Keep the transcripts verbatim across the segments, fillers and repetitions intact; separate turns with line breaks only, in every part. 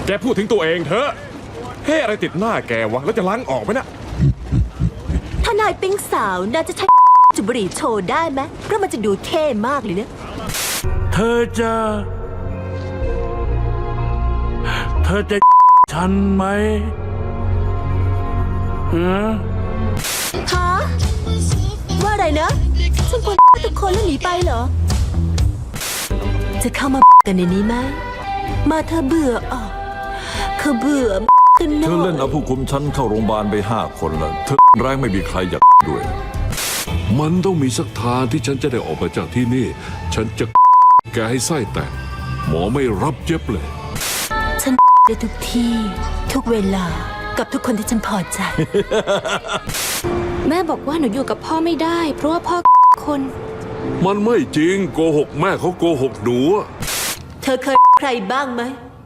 แกพูดถึงตัวเองเถอะเฮ้อะไรติดหน้าแกวะแล้วจะล้างออกไหมนะ
ถ้านายปิ๊งสาวน่าจะใช้จุบบุหรี่โชว์ได้ไหมเพราะมันจะดูเท่มากเลยเนี่ย
เธอจะ เธอจะฉันไหมฮะ
ฮะว่าอะไรนะฉันควรทุกคนแล้วหนีไปเหรอ จะเข้ามากันในนี้ไหมมาเธอเบื่อออกเขาเบื่อกันหน่
เธ
อ
อเล่นเอา
ย
ผู้คุมฉันเข้าโรงพยาบาลไปห้าคนแล้วเธอแรงไม่มีใครอยากด้วย
มันต้องมีสักทางที่ฉันจะได้ออกมาจากที่นี่ ฉันจะแกให้ไส้แตกหมอไม่รับเย็บเลย
ฉันได้ทุกที่ทุกเวลากับทุกคนที่ฉันพอใจ
แม่บอกว่าหนูอยู่กับพ่อไม่ได้ เพราะว่าพ่อคน
มันไม่จริงโกหกแม่เขาโกหกหนูอะ
เธอเคยใครบ้างไหม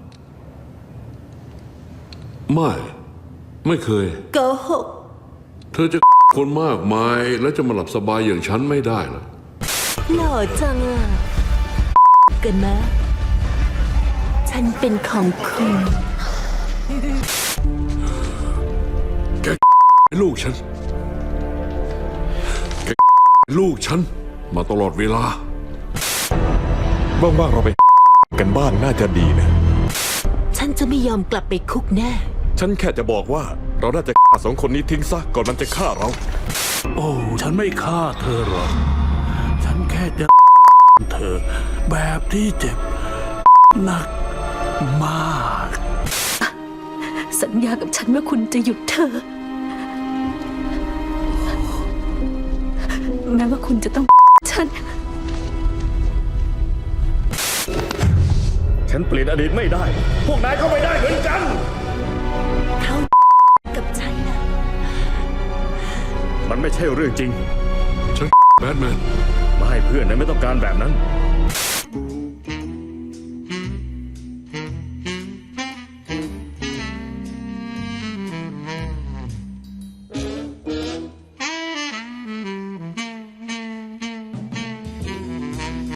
ไม่ ไม่เคย
โกหก
เธอจะคนมากมายแล้วจะมาหลับสบายอย่างฉันไม่ได้หรอ
หล่อจังอ่ะกันไหมฉันเป็นของคุณ
แกลูกฉันแกลูกฉันมาตลอดเวลา
ว่างๆเราไปกันบ้างน่าจะดีนะ
ฉันจะไม่ยอมกลับไปคุกแน่
ฉันแค่จะบอกว่าเราน่าจะฆ่าสองคนนี้ทิ้งซะก่อนมันจะฆ่าเรา
โอ้ฉันไม่ฆ่าเธอหรอกฉันแค่จะเธอแบบที่เจ็บหนักมาก
สัญญากับฉันว่าคุณจะหยุดเธอ แม้ว่าคุณจะต้องฉัน
ฉันเปลี่ยนอดีตไม่ได้ พวกนายก็ไม่ได้เหมือนกัน
เขากับฉันนะ
มันไม่ใช่เรื่องจริง
ฉันแบทแมน
ไม่เพื่อนนายไม่ต้องการแบบนั้น